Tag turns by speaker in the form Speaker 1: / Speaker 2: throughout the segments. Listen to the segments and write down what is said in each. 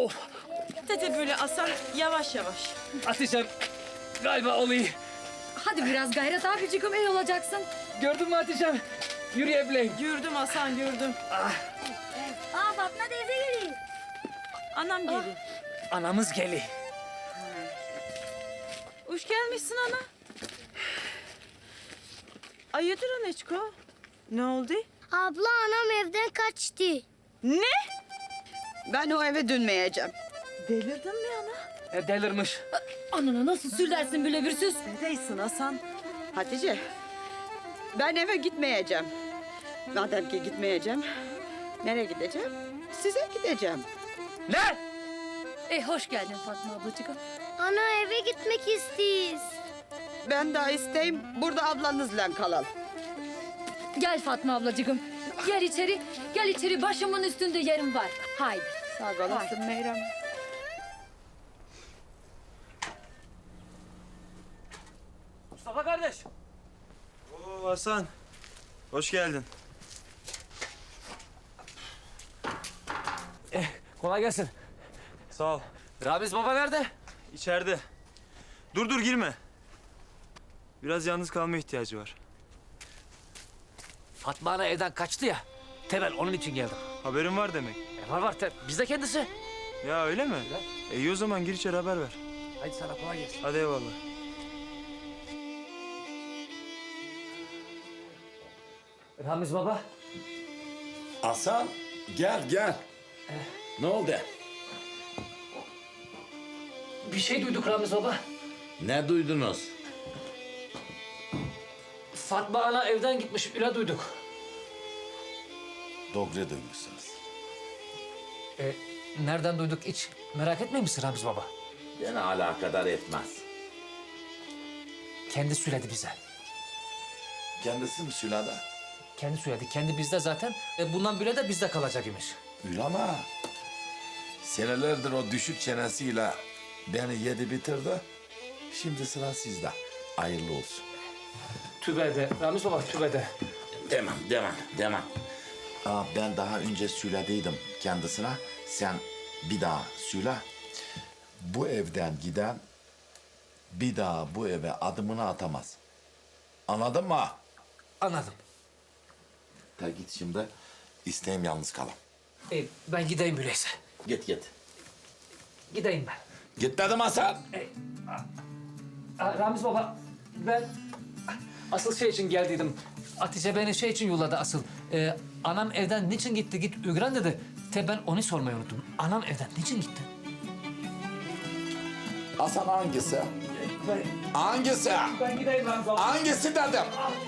Speaker 1: Oh,
Speaker 2: Dede böyle Hasan yavaş yavaş.
Speaker 1: Hatice'm galiba oluyor.
Speaker 3: Hadi biraz gayret abicim, iyi olacaksın.
Speaker 1: Gördün mü Hatice'm? Yürüyebileyim.
Speaker 2: Gördüm Hasan gördüm.
Speaker 3: Aa Fatma teyze geliyor.
Speaker 2: Anam geliyor.
Speaker 1: Anamız geli.
Speaker 2: Hoş gelmişsin ana. Hayırdır Aneçko? Ne oldu?
Speaker 4: Abla anam evden kaçtı.
Speaker 2: Ne?
Speaker 5: Ben o eve dönmeyeceğim.
Speaker 2: Delirdin mi ana?
Speaker 1: Delirmiş.
Speaker 3: Anana nasıl söylersin böyle bir söz?
Speaker 2: Neredesin Hasan?
Speaker 5: Hatice, ben eve gitmeyeceğim. Madem ki gitmeyeceğim, nereye gideceğim? Size gideceğim.
Speaker 1: Ne?
Speaker 3: Hoş geldin Fatma ablacığım.
Speaker 4: Ana eve gitmek istiyiz.
Speaker 5: Ben daha isteyim, burada ablanızla kalalım.
Speaker 3: Gel Fatma ablacığım. Gel içeri, gel içeri. Başımın üstünde yerim var. Haydi.
Speaker 5: Sağ olasın Meyrem.
Speaker 1: Mustafa kardeş.
Speaker 6: Oo Hasan, hoş geldin.
Speaker 1: Kolay gelsin.
Speaker 6: Sağ ol.
Speaker 1: Ramiz baba nerede?
Speaker 6: İçeride. Dur girme. Biraz yalnız kalma ihtiyacı var.
Speaker 1: Fatma ana evden kaçtı ya. Temel onun için geldim.
Speaker 6: Haberin var demek.
Speaker 1: Var. Biz de kendisi.
Speaker 6: Ya öyle mi? İyi o zaman gir içeri haber ver.
Speaker 1: Hadi sana kolay gelsin.
Speaker 6: Hadi eyvallah.
Speaker 1: Ramiz baba.
Speaker 7: Hasan gel. Ne oldu?
Speaker 1: Bir şey duyduk Ramiz baba.
Speaker 7: Ne duydunuz?
Speaker 1: Fatma ana evden gitmiş. Öyle duyduk.
Speaker 7: Doğru duymuşsunuz.
Speaker 1: Nereden duyduk hiç merak etmiyor musun Ramiz baba?
Speaker 7: Beni alakadar etmez.
Speaker 1: Kendi söyledi bize.
Speaker 7: Kendisi mi Sülada?
Speaker 1: Kendi söyledi. Kendi bizde zaten. Bundan böyle de bizde kalacak imiş.
Speaker 7: Öyle ama senelerdir o düşük çenesiyle beni yedi bitirdi. Şimdi sıra sizde. Hayırlı olsun.
Speaker 1: Tübede. Ramiz baba tübede.
Speaker 7: Demem. Ben daha önce söylediydim kendisine. Sen bir daha söyle. Bu evden giden bir daha bu eve adımını atamaz. Anladın mı?
Speaker 1: Anladım.
Speaker 7: Ta git şimdi. İsteyim yalnız kalam.
Speaker 1: Ben gideyim öyleyse.
Speaker 7: Git.
Speaker 1: Gideyim ben.
Speaker 7: Git dedim Hasan.
Speaker 1: Ramiz baba ben asıl şey için geldiydim. Hatice beni şey için yolladı asıl. Anam evden niçin gitti git Ügren dedi. Ben onu sormayı unuttum. Anam evden niçin gitti?
Speaker 7: Hasan hangisi? Hangisi?
Speaker 1: Ben gideyim Ramiz baba.
Speaker 7: Hangisi dedim?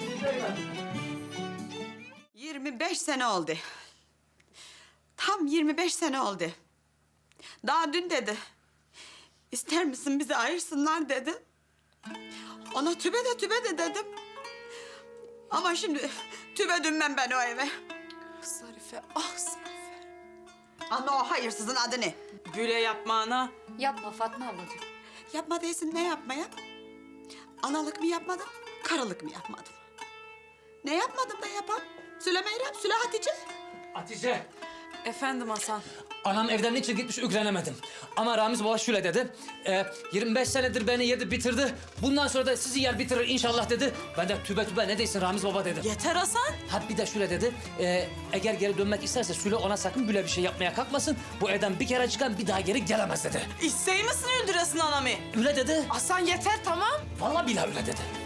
Speaker 5: 25 sene oldu. Tam 25 sene oldu. Daha dün dedi. İster misin bizi ayırsınlar dedi. Ona tübe de dedim. Ama şimdi tübe dönmem ben o eve.
Speaker 2: Zarife, ah Zarife.
Speaker 5: Ana o hayırsızın adı ne?
Speaker 2: Böyle yapma ana.
Speaker 3: Yapma Fatma ablacığım.
Speaker 5: Yapma değilsin, ne yapmaya? Analık mı yapmadım, karılık mı yapmadım? Ne yapmadım da yapan? Söyle Meyrem, söyle Hatice.
Speaker 1: Hatice.
Speaker 2: Efendim Hasan.
Speaker 1: Anam evden niçin gitmiş ügrenemedim. Ama Ramiz baba şöyle dedi. 25 senedir beni yedi bitirdi. Bundan sonra da sizi yer bitirir inşallah dedi. Ben de tübe ne değilsin Ramiz baba dedim.
Speaker 2: Yeter Hasan.
Speaker 1: Ha bir de şöyle dedi. Eğer geri dönmek isterse Süle ona sakın böyle bir şey yapmaya kalkmasın. Bu evden bir kere çıkan bir daha geri gelemez dedi.
Speaker 2: İstey misin öldüresin anamı?
Speaker 1: Öyle dedi.
Speaker 2: Hasan yeter tamam.
Speaker 1: Vallahi billahi öyle dedi.